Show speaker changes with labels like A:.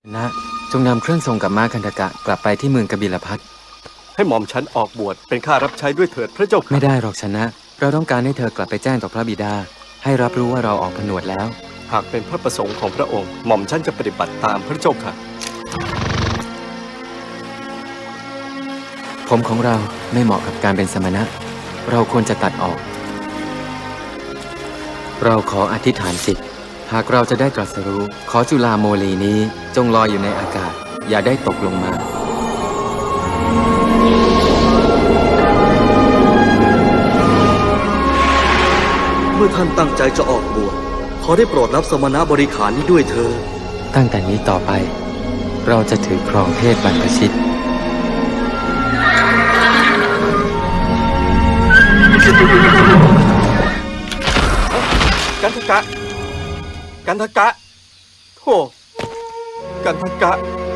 A: นะจงนำเครื่องทรงกับม้าคันธกะกลับไปที่เมืองกบิลพัส
B: ให้หม่อมฉันออกบวชเป็นข้ารับใช้ด้วยเถิดพระเจ้าค่ะ
A: ไม่ได้หรอกชนะเราต้องการให้เธอกลับไปแจ้งต่อพระบิดาให้รับรู้ว่าเราออกผนวดแล้ว
B: หากเป็นพระประสงค์ของพระองค์หม่อมฉันจะปฏิบัติตามพระเจ้าค่ะ
A: ผมของเราไม่เหมาะกับการเป็นสมณะเราควรจะตัดออกเราขออธิษฐานจิตหากเราจะได้ตรัสรู้ขอจุฬาโมลีนี้จงลอยอยู่ในอากาศอย่าได้ตกลงมา
C: เมื่อท่านตั้งใจจะออกบวชขอได้โปรดรับสมณบริขารนี้ด้วยเถิด
A: ตั้งแต่นี้ต่อไปเราจะถือครองเพศบรรพชิต
B: กันทกะกันทกะโธ่กันทกะ